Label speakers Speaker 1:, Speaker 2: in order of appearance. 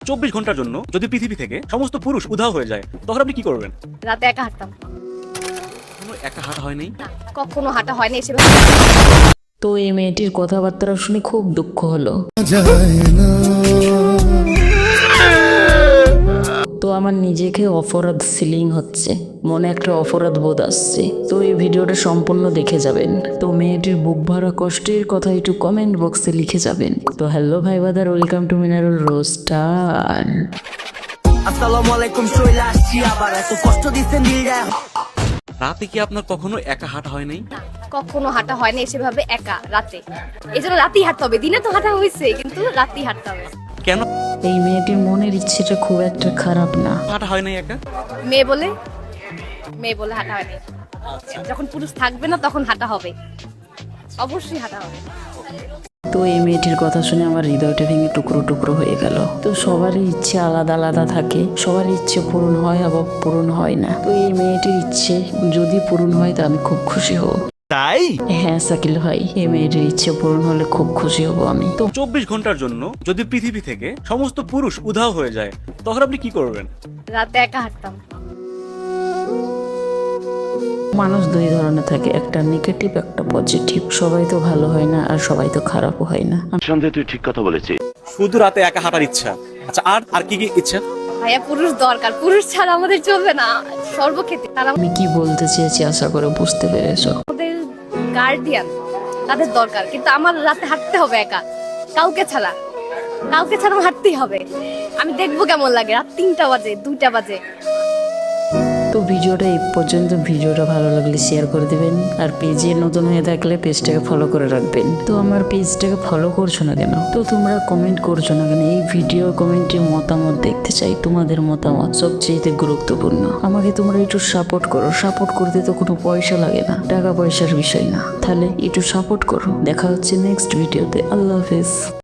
Speaker 1: 24 ঘন্টার জন্য যদি পৃথিবী থেকে সমস্ত পুরুষ উধাও হয়ে যায় তখন আপনি কি করবেন?
Speaker 2: রাতে একা হাঁটতাম।
Speaker 1: কখনো একা হাঁটা হয় নাই?
Speaker 2: না, কখনো হাঁটা হয়নি এসে।
Speaker 3: তো এই মেয়েটির কথাবার্তা শুনে খুব দুঃখ হলো। তো আমার নিজেকে অপরাধ ফিলিং হচ্ছে, মনে একটা অপরাধ বোধ আসছে। তো এই ভিডিওটা সম্পূর্ণ দেখে যাবেন। তো মেয়েটির বুক ভরা কষ্টের কথা একটু কমেন্ট বক্সে লিখে যাবেন। তো হ্যালো ভাই brother, welcome to Minarul roaster.
Speaker 4: আসসালামু আলাইকুম, চলে আসছি আবার। এত কষ্ট দিচ্ছেন দিলজায়।
Speaker 1: রাতে কি আপনার কখনো একা হাঁটা হয় নাই?
Speaker 2: না, কখনো হাঁটা হয়নি সেভাবে একা রাতে। এই জন্য রাতেই হাঁটতে হবে, দিনে তো হাঁটা হয়েছে কিন্তু রাতেই হাঁটতে হবে।
Speaker 1: কেন
Speaker 3: এই মেয়েটির মনের ইচ্ছেটা খুব একটা খারাপ না।
Speaker 1: হাঁটা হয় নাই একা?
Speaker 2: মেয়ে বলে হাঁটা হয়নি। যখন পুরুষ থাকবে না তখন হাঁটা হবে, অবশ্যই হাঁটা হবে।
Speaker 3: তো এই মেয়েটির কথা শুনে আমার হৃদয়টা ভেঙে টুকরো টুকরো হয়ে গেল। তো সবারই ইচ্ছে আলাদা আলাদা থাকে, সবার ইচ্ছে পূরণ হয় আবার পূরণ হয় না। তো এই মেয়েটির ইচ্ছে যদি পূরণ হয় তো আমি খুব খুশি হব।
Speaker 1: তাই
Speaker 3: হ্যাঁ শাকিল ভাই, এই মেয়েটির ইচ্ছে পূরণ হলে খুব খুশি হব আমি। তো
Speaker 1: 24 ঘন্টার জন্য যদি পৃথিবী থেকে সমস্ত পুরুষ উধাও হয়ে যায় তখন আপনি কি করবেন?
Speaker 2: রাতে একা হাঁটতাম।
Speaker 3: মানুষ দুই ধরনের থাকে, একটা নেগেটিভ একটা পজিটিভ। সবাই তো ভালো হয় না আর সবাই তো খারাপও হয় না।
Speaker 5: সন্দেহে তুই ঠিক কথা বলেছিস।
Speaker 1: শুধু রাতে একা হাঁটার ইচ্ছা। আচ্ছা, আর কি কি ইচ্ছা?
Speaker 2: ভাইয়া পুরুষ দরকার, পুরুষ ছাড়া আমাদের চলবে না সর্বক্ষেত্রে। তারা
Speaker 3: আমি কি বলতে চেয়েছি আশা করে বুঝতে পেরেছো।
Speaker 2: আমাদের গার্ডিয়ান, তাদের দরকার। কিন্তু আমার রাতে হাঁটতে হবে একা, কাউকে ছাড়া আমার হাঁটতেই হবে। আমি দেখবো কেমন লাগে রাত 3টা বাজে 2টা বাজে।
Speaker 3: তো ভিডিওটা এই পর্যন্ত। ভিডিওটা ভালো লাগলে শেয়ার করে দেবেন, আর পেজে নতুন হয়ে থাকলে পেজটাকে ফলো করে রাখবেন। তো আমার পেজটাকে ফলো করছো না কেন? তো তোমরা কমেন্ট করছো না কেন? এই ভিডিও কমেন্টে মতামত দেখতে চাই, তোমাদের মতামত সবচেয়ে গুরুত্বপূর্ণ। আমাকে তোমরা একটু সাপোর্ট করো। সাপোর্ট করতে তো কোনো পয়সা লাগে না, টাকা পয়সার বিষয় না। তাহলে একটু সাপোর্ট করো। দেখা হচ্ছে নেক্সট ভিডিওতে। আল্লাহ হাফেজ।